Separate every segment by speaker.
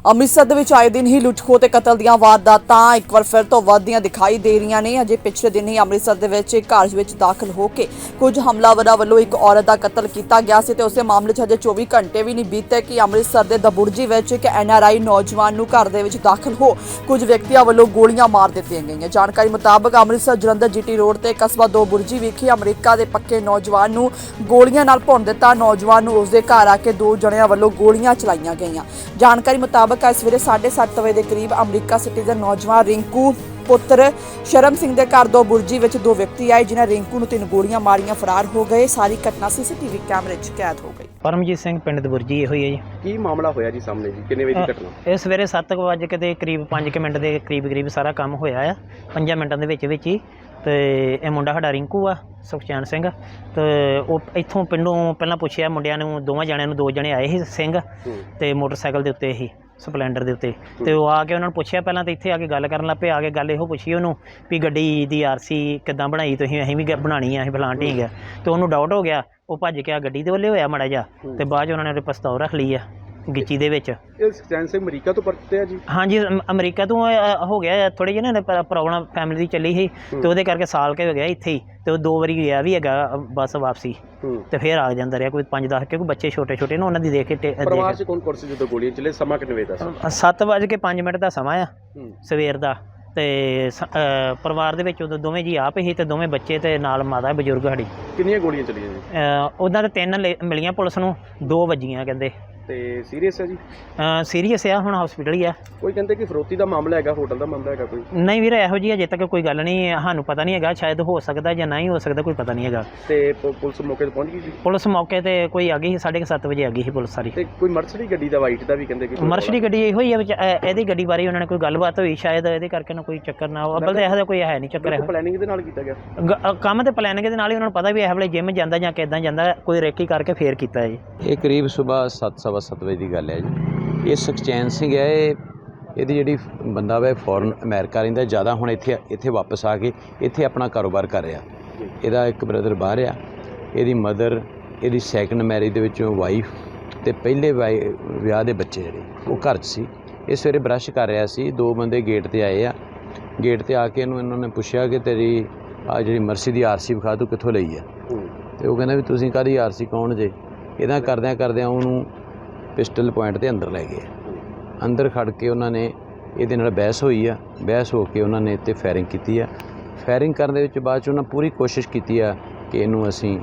Speaker 1: ਅੰਮ੍ਰਿਤਸਰ ਦੇ ਵਿੱਚ ਆਏ ਦਿਨ ਹੀ ਲੁੱਟ-ਖੋਹ ਤੇ ਕਤਲ ਦੀਆਂ ਵਾਰਦਾਤਾਂ ਇੱਕ ਵਾਰ ਫਿਰ ਤੋਂ ਵੱਧਦੀਆਂ ਦਿਖਾਈ ਦੇ ਰਹੀਆਂ ਨੇ। ਅਜੇ ਪਿਛਲੇ ਦਿਨ ਹੀ ਅੰਮ੍ਰਿਤਸਰ ਦੇ ਵਿੱਚ ਇੱਕ ਘਰ ਵਿੱਚ ਦਾਖਲ ਹੋ ਕੇ ਕੁਝ ਹਮਲਾਵਰਾਂ ਵੱਲੋਂ ਇੱਕ ਔਰਤ ਦਾ ਕਤਲ ਕੀਤਾ ਗਿਆ ਸੀ ਤੇ ਉਸੇ ਮਾਮਲੇ 'ਚ ਅਜੇ 24 ਘੰਟੇ ਵੀ ਨਹੀਂ ਬੀਤੇ ਕਿ ਅੰਮ੍ਰਿਤਸਰ ਦੇ ਦਬੁਰਜੀ ਵਿੱਚ ਇੱਕ NRI ਨੌਜਵਾਨ ਨੂੰ ਘਰ ਦੇ ਵਿੱਚ ਦਾਖਲ ਹੋ ਕੁਝ ਵਿਅਕਤੀਆਂ ਵੱਲੋਂ ਗੋਲੀਆਂ ਮਾਰ ਦਿੱਤੀਆਂ ਗਈਆਂ। ਜਾਣਕਾਰੀ ਮੁਤਾਬਕ ਅੰਮ੍ਰਿਤਸਰ ਜਲੰਧਰ GT ਰੋਡ ਤੇ ਕਸਬਾ ਦਬੁਰਜੀ ਵਿਖੇ ਅਮਰੀਕਾ ਦੇ ਪੱਕੇ ਨੌਜਵਾਨ ਨੂੰ ਗੋਲੀਆਂ ਨਾਲ ਭੁੰਨ ਦਿੱਤਾ। ਨੌਜਵਾਨ ਨੂੰ ਉਸਦੇ ਘਰ ਆ ਕੇ ਦੋ ਜਣਿਆਂ ਵੱਲੋਂ ਗੋਲੀਆਂ ਚਲਾਈਆਂ ਗਈਆਂ। ਜਾਣਕਾਰੀ ਮੁਤਾਬਕ ਅੱਜ ਸਵੇਰੇ 7:30 ਵਜੇ ਦੇ ਕਰੀਬ ਅਮਰੀਕਾ ਸਿਟੀਜ਼ਨ ਨੌਜਵਾਨ ਰਿੰਕੂ ਪੁੱਤਰ ਸ਼ਰਮ ਸਿੰਘ ਦੇ ਘਰ ਦਬੁਰਜੀ ਵਿੱਚ ਦੋ ਵਿਅਕਤੀ ਆਏ ਜਿਨ੍ਹਾਂ ਰਿੰਕੂ ਨੂੰ 3 ਗੋਲੀਆਂ ਮਾਰੀਆਂ ਫਰਾਰ ਹੋ ਗਏ। ਸਾਰੀ ਘਟਨਾ CCTV ਕੈਮਰੇ 'ਚ ਕੈਦ ਹੋ ਗਈ।
Speaker 2: ਪਰਮਜੀਤ ਸਿੰਘ ਪਿੰਡ ਦਬੁਰਜੀ ਇਹੋ ਹੀ ਹੈ ਜੀ।
Speaker 3: ਕੀ ਮਾਮਲਾ ਹੋਇਆ ਜੀ ਸਾਹਮਣੇ ਜੀ? ਕਿੰਨੇ ਵਜੇ ਦੀ ਘਟਨਾ?
Speaker 2: ਇਹ ਸਵੇਰੇ 7 ਵਜੇ ਦੇ ਕਰੀਬ 5 ਮਿੰਟ ਦੇ ਕਰੀਬ ਸਾਰਾ ਕੰਮ ਹੋਇਆ ਆ 5 ਮਿੰਟਾਂ ਦੇ ਵਿੱਚ ਹੀ। ਤੇ ਇਹ ਮੁੰਡਾ ਸਾਡਾ ਰਿੰਕੂ ਆ ਸੁਖਚੈਨ ਸਿੰਘ ਤੇ ਉਹ ਇੱਥੋਂ ਪਿੰਡੋਂ ਪਹਿਲਾਂ ਪੁੱਛਿਆ ਮੁੰਡਿਆਂ ਨੂੰ, ਦੋਵਾਂ ਜਣਿਆਂ ਨੂੰ, 2 ਜਣੇ ਆਏ ਸੀ ਸਿੰਘ ਤੇ ਮੋਟਰਸਾਈਕਲ ਦੇ ਉੱਤੇ ਹੀ ਸਪਲੈਂਡਰ ਦੇ ਉੱਤੇ। ਤੇ ਉਹ ਆ ਕੇ ਉਹਨਾਂ ਨੂੰ ਪੁੱਛਿਆ ਪਹਿਲਾਂ ਤਾਂ ਇੱਥੇ ਆ ਕੇ ਗੱਲ ਕਰਨ ਲੱਗ ਪਏ। ਆ ਕੇ ਗੱਲ ਇਹੋ ਪੁੱਛੀ ਉਹਨੂੰ ਵੀ ਗੱਡੀ ਦੀ RC ਕਿੱਦਾਂ ਬਣਾਈ ਤੁਸੀਂ? ਅਸੀਂ ਵੀ ਬਣਾਉਣੀ ਆ, ਅਸੀਂ ਫਲਾਣ ਠੀਕ ਆ। ਤੇ ਉਹਨੂੰ ਡਾਊਟ ਹੋ ਗਿਆ, ਉਹ ਭੱਜ ਕੇ ਆ ਗੱਡੀ ਦੇ ਵੱਲੇ ਹੋਇਆ ਮਾੜਾ ਜਿਹਾ ਤੇ ਬਾਅਦ 'ਚ ਉਹਨਾਂ ਨੇ ਉਹਦੇ ਪਿਸਤੌਲ ਰੱਖ ਲਈ ਆ ਗਿੱਚੀ ਦੇ ਵਿੱਚ।
Speaker 3: ਇਹ ਸੁਖਚੈਨ ਸਿੰਘ ਅਮਰੀਕਾ ਤੋਂ ਪਰਤੇ ਆ ਜੀ?
Speaker 2: ਹਾਂਜੀ, ਅਮਰੀਕਾ ਤੋਂ ਹੋ ਗਿਆ ਥੋੜ੍ਹੀ ਜਿਹੀ ਨਾ ਪ੍ਰੋਬਲਮ ਫੈਮਿਲੀ ਦੀ ਚੱਲੀ ਸੀ ਤੇ ਉਹਦੇ ਕਰਕੇ ਸਾਲ ਕੇ ਹੋ ਗਿਆ ਇੱਥੇ ਹੀ। ਤੇ ਉਹ 2 ਵਾਰੀ ਗਿਆ ਵੀ ਹੈਗਾ ਬੱਸ ਵਾਪਸੀ ਤੇ ਫਿਰ ਆ ਜਾਂਦਾ ਰਿਹਾ ਕੋਈ 5-10 ਕਿਉਂਕਿ ਬੱਚੇ ਛੋਟੇ ਨਾ ਉਹਨਾਂ ਦੀ ਦੇਖ ਕੇ।
Speaker 3: ਪਰਿਵਾਰ 'ਚ ਕੌਣ ਸੀ ਜਦੋਂ ਗੋਲੀਆਂ ਚੱਲੇ? ਸਮਾਂ ਕਿੰਨੇ ਵਜੇ ਦਾ ਸੀ?
Speaker 2: 7:05 ਦਾ ਸਮਾਂ ਆ ਸਵੇਰ ਦਾ। ਤੇ ਪਰਿਵਾਰ ਦੇ ਵਿੱਚ ਉਦੋਂ ਦੋਵੇਂ ਜੀ ਆਪ ਹੀ ਤੇ ਦੋਵੇਂ ਬੱਚੇ ਤੇ ਨਾਲ ਮਾਤਾ ਬਜ਼ੁਰਗ ਸਾਡੀ।
Speaker 3: ਕਿੰਨੀਆਂ ਗੋਲੀਆਂ ਚੱਲੀਆਂ ਜੀ?
Speaker 2: ਉਹਨਾਂ ਦੇ 3 ਮਿਲੀਆਂ ਪੁਲਿਸ ਨੂੰ, 2 ਵੱਜੀਆਂ ਕਹਿੰਦੇ।
Speaker 3: ਤੇ ਸੀਰੀਅਸ ਹੈ ਜੀ?
Speaker 2: ਸੀਰੀਅਸ ਆ, ਹੁਣ ਹਸਪੀਟਲ ਹੀ ਆ।
Speaker 3: ਕੋਈ ਕਹਿੰਦੇ ਕਿ ਫਰੋਤੀ ਦਾ ਮਾਮਲਾ ਹੈਗਾ, ਹੋਟਲ ਦਾ ਮਾਮਲਾ ਹੈਗਾ ਕੋਈ?
Speaker 2: ਨਹੀਂ ਵੀਰ, ਇਹੋ ਜਿਹੀ ਅਜੇ ਤੱਕ ਕੋਈ ਗੱਲ ਨਹੀਂ, ਸਾਨੂੰ ਪਤਾ ਨਹੀਂ ਹੈਗਾ। ਸ਼ਾਇਦ ਹੋ ਸਕਦਾ ਜਾਂ ਨਹੀਂ ਹੋ ਸਕਦਾ, ਕੋਈ ਪਤਾ ਨਹੀਂ ਹੈਗਾ।
Speaker 3: ਤੇ ਪੁਲਿਸ ਮੌਕੇ ਤੇ ਪਹੁੰਚ ਗਈ ਜੀ?
Speaker 2: ਪੁਲਿਸ ਮੌਕੇ ਤੇ ਕੋਈ ਆ ਗਈ ਸੀ 7:30 ਵਜੇ ਆ ਗਈ ਸੀ ਪੁਲਿਸ ਸਾਰੀ।
Speaker 3: ਤੇ ਕੋਈ ਮਰਸਡੀ ਗੱਡੀ ਦਾ ਵਾਈਟ ਦਾ ਵੀ ਕਹਿੰਦੇ ਕਿ
Speaker 2: ਮਰਸਡੀ ਗੱਡੀ ਇਹੋ ਹੀ ਆ। ਇਹਦੀ ਗੱਡੀ ਬਾਰੇ ਉਹਨਾਂ ਨੇ ਕੋਈ ਗੱਲਬਾਤ ਹੋਈ ਸ਼ਾਇਦ, ਇਹਦੇ ਕਰਕੇ ਨਾ ਕੋਈ ਚੱਕਰ ਨਾ ਅੱਬਲ ਤਾਂ ਇਹੋ ਜਿਹਾ ਕੋਈ ਹੈ ਨਹੀਂ ਚੱਕਰ। ਇਹੋ
Speaker 3: ਪਲੈਨਿੰਗ ਦੇ ਨਾਲ ਕੀਤਾ ਗਿਆ
Speaker 2: ਕੰਮ ਤੇ ਪਲੈਨਿੰਗ ਦੇ ਨਾਲ ਹੀ। ਉਹਨਾਂ ਨੂੰ ਪਤਾ ਵੀ ਇਹ ਵੇਲੇ ਜਿਮ ਜਾਂਦਾ ਜਾਂ ਕਿੱਦਾਂ ਜਾਂਦਾ, ਕੋਈ ਰੇਕੀ ਕਰਕੇ ਫੇਰ ਕੀਤਾ ਹੈ ਜੀ।
Speaker 4: ਇਹ ਕਰੀਬ ਸਵੇਰ 7:15 ਵਜੇ ਦੀ ਗੱਲ ਹੈ ਜੀ। ਇਹ ਸੁਖਚੈਨ ਸਿੰਘ ਹੈ, ਇਹਦੀ ਜਿਹੜੀ ਬੰਦਾ ਵਾ ਫੋਰਨ ਅਮਰੀਕਾ ਰਹਿੰਦਾ ਜ਼ਿਆਦਾ, ਹੁਣ ਇੱਥੇ ਵਾਪਸ ਆ ਕੇ ਇੱਥੇ ਆਪਣਾ ਕਾਰੋਬਾਰ ਕਰ ਰਿਹਾ। ਇਹਦਾ ਇੱਕ ਬ੍ਰਦਰ ਬਾਹਰ ਆ, ਇਹਦੀ ਮਦਰ, ਇਹਦੀ ਸੈਕੰਡ ਮੈਰਿਜ ਦੇ ਵਿੱਚੋਂ ਵਾਈਫ ਤੇ ਪਹਿਲੇ ਵਿਆਹ ਦੇ ਬੱਚੇ ਜਿਹੜੇ ਉਹ ਘਰ 'ਚ ਸੀ। ਇਹ ਸਵੇਰੇ ਬਰੱਸ਼ ਕਰ ਰਿਹਾ ਸੀ, 2 ਬੰਦੇ ਗੇਟ 'ਤੇ ਆਏ ਆ। ਗੇਟ 'ਤੇ ਆ ਕੇ ਇਹਨਾਂ ਨੇ ਪੁੱਛਿਆ ਕਿ ਤੇਰੀ ਆ ਜਿਹੜੀ ਮਰਸੀ ਦੀ RC ਵਿਖਾ, ਤੂੰ ਕਿੱਥੋਂ ਲਈ ਆ? ਤੇ ਉਹ ਕਹਿੰਦਾ ਵੀ ਤੁਸੀਂ ਕਾਹਦੀ RC, ਕੌਣ ਜੇ? ਇੱਦਾਂ ਕਰਦਿਆਂ ਉਹਨੂੰ ਪਿਸਟਲ ਪੁਆਇੰਟ 'ਤੇ ਅੰਦਰ ਲੈ ਗਏ। ਅੰਦਰ ਖੜ ਕੇ ਉਹਨਾਂ ਨੇ ਇਹਦੇ ਨਾਲ ਬਹਿਸ ਹੋਈ ਆ। ਬਹਿਸ ਹੋ ਕੇ ਉਹਨਾਂ ਨੇ ਇੱਥੇ ਫਾਇਰਿੰਗ ਕੀਤੀ ਆ। ਫਾਇਰਿੰਗ ਕਰਨ ਦੇ ਵਿੱਚ ਬਾਅਦ 'ਚ ਉਹਨਾਂ ਪੂਰੀ ਕੋਸ਼ਿਸ਼ ਕੀਤੀ ਆ ਕਿ ਇਹਨੂੰ ਅਸੀਂ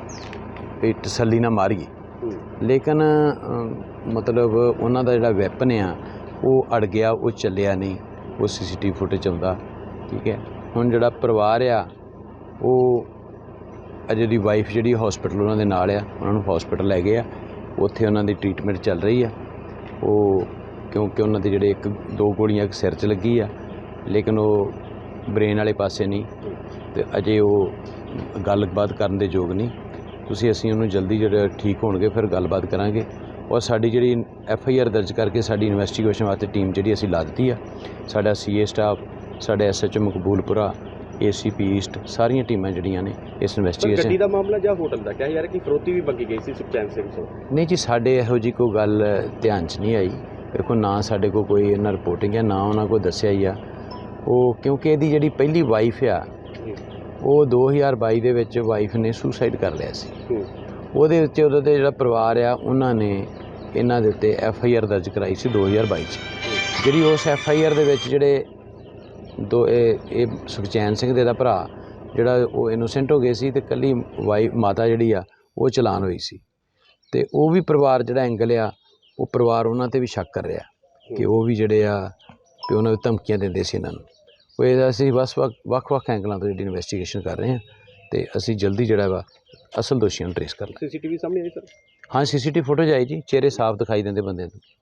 Speaker 4: ਤਸੱਲੀ ਨਾਲ ਮਾਰੀਏ, ਲੇਕਿਨ ਮਤਲਬ ਉਹਨਾਂ ਦਾ ਜਿਹੜਾ ਵੈਪਨ ਆ ਉਹ ਅੜ ਗਿਆ, ਉਹ ਚੱਲਿਆ ਨਹੀਂ। ਉਹ CCTV ਫੁਟੇਜ ਆਉਂਦਾ, ਠੀਕ ਹੈ। ਹੁਣ ਜਿਹੜਾ ਪਰਿਵਾਰ ਆ ਉਹ ਅਜੇ ਦੀ ਵਾਈਫ ਜਿਹੜੀ ਹਸਪੀਟਲ ਉਹਨਾਂ ਦੇ ਨਾਲ ਆ, ਉਹਨਾਂ ਨੂੰ ਹਸਪੀਟਲ ਲੈ ਗਏ ਆ। ਉੱਥੇ ਉਹਨਾਂ ਦੀ ਟ੍ਰੀਟਮੈਂਟ ਚੱਲ ਰਹੀ ਆ। ਉਹ ਕਿਉਂਕਿ ਉਹਨਾਂ ਦੇ ਜਿਹੜੇ 1-2 ਗੋਲੀਆਂ ਇੱਕ ਸਿਰ 'ਚ ਲੱਗੀ ਆ, ਲੇਕਿਨ ਉਹ ਬ੍ਰੇਨ ਵਾਲੇ ਪਾਸੇ ਨਹੀਂ ਤੇ ਅਜੇ ਉਹ ਗੱਲਬਾਤ ਕਰਨ ਦੇ ਯੋਗ ਨਹੀਂ। ਅਸੀਂ ਉਹਨੂੰ ਜਲਦੀ ਜਿਹੜਾ ਠੀਕ ਹੋਣਗੇ ਫਿਰ ਗੱਲਬਾਤ ਕਰਾਂਗੇ। ਔਰ ਸਾਡੀ ਜਿਹੜੀ FIR ਦਰਜ ਕਰਕੇ ਸਾਡੀ ਇਨਵੈਸਟੀਗੇਸ਼ਨ ਵਾਸਤੇ ਟੀਮ ਜਿਹੜੀ ਅਸੀਂ ਲਾ ਦਿੱਤੀ ਆ। ਸਾਡਾ CA ਸਟਾਫ, ਸਾਡੇ SHO ਮਕਬੂਲਪੁਰਾ, ACP ਈਸਟ, ਸਾਰੀਆਂ ਟੀਮਾਂ ਜਿਹੜੀਆਂ ਨੇ ਇਸ ਇਨਵੈਸਟੀਗੇਸ਼ਨ।
Speaker 3: ਗੱਡੀ ਦਾ ਮਾਮਲਾ ਜਾਂ ਹੋਟਲ ਦਾ ਕਿਹਾ ਯਾਰ ਕਿ ਫਰੋਤੀ ਵੀ ਮੰਗੀ ਗਈ ਸੀ ਸੁਖਚੈਨ ਸਿੰਘ ਤੋਂ? ਨਹੀਂ
Speaker 4: ਜੀ, ਸਾਡੇ ਇਹੋ ਜਿਹੀ ਕੋਈ ਗੱਲ ਧਿਆਨ 'ਚ ਨਹੀਂ ਆਈ। ਦੇਖੋ, ਨਾ ਸਾਡੇ ਕੋਲ ਕੋਈ ਇਹਨਾਂ ਰਿਪੋਰਟਿੰਗ ਹੈ, ਨਾ ਉਹਨਾਂ ਕੋਲ ਦੱਸਿਆ ਹੀ ਆ। ਉਹ ਕਿਉਂਕਿ ਇਹਦੀ ਜਿਹੜੀ ਪਹਿਲੀ ਵਾਈਫ ਆ ਉਹ 2022 ਦੇ ਵਿੱਚ ਵਾਈਫ ਨੇ ਸੁਸਾਈਡ ਕਰ ਲਿਆ ਸੀ। ਉਹਦੇ ਵਿੱਚ ਉਹਦਾ ਤੇ ਜਿਹੜਾ ਪਰਿਵਾਰ ਆ ਉਹਨਾਂ ਨੇ ਇਹਨਾਂ ਦੇ ਉੱਤੇ FIR ਦਰਜ ਕਰਾਈ ਸੀ 2022 'ਚ। ਜਿਹੜੀ ਉਸ FIR ਦੇ ਵਿੱਚ ਜਿਹੜੇ ਇਹ ਸੁਖਚੈਨ ਸਿੰਘ ਦੇ ਦਾ ਭਰਾ ਜਿਹੜਾ ਉਹ ਇਨੋਸੈਂਟ ਹੋ ਗਏ ਸੀ ਤੇ ਇਕੱਲੀ ਮਾਤਾ ਜਿਹੜੀ ਆ ਉਹ ਚਲਾਨ ਹੋਈ ਸੀ। ਤੇ ਉਹ ਵੀ ਪਰਿਵਾਰ ਜਿਹੜਾ ਐਂਗਲ ਆ, ਉਹ ਪਰਿਵਾਰ ਉਹਨਾਂ 'ਤੇ ਵੀ ਸ਼ੱਕ ਕਰ ਰਿਹਾ ਕਿ ਉਹ ਵੀ ਜਿਹੜੇ ਆ ਕਿ ਉਹਨਾਂ ਨੂੰ ਧਮਕੀਆਂ ਦਿੰਦੇ ਸੀ ਇਹਨਾਂ ਨੂੰ। ਉਹ ਇਹਦਾ ਅਸੀਂ ਬਸ ਵੱਖ-ਵੱਖ ਐਂਗਲਾਂ ਤੋਂ ਜਿਹੜੀ ਇਨਵੈਸਟੀਗੇਸ਼ਨ ਕਰ ਰਹੇ ਹਾਂ ਤੇ ਅਸੀਂ ਜਲਦੀ ਜਿਹੜਾ ਵਾ ਅਸਲ ਦੋਸ਼ੀਆਂ ਨੂੰ ਟ੍ਰੇਸ ਕਰ ਲਾਂਗੇ।
Speaker 3: CCTV ਸਾਹਮਣੇ ਆਈ ਸਰ?
Speaker 4: ਹਾਂ, CCTV ਫੁਟੇਜ ਆਈ ਜੀ, ਚਿਹਰੇ ਸਾਫ਼ ਦਿਖਾਈ ਦਿੰਦੇ ਬੰਦੇ ਨੂੰ।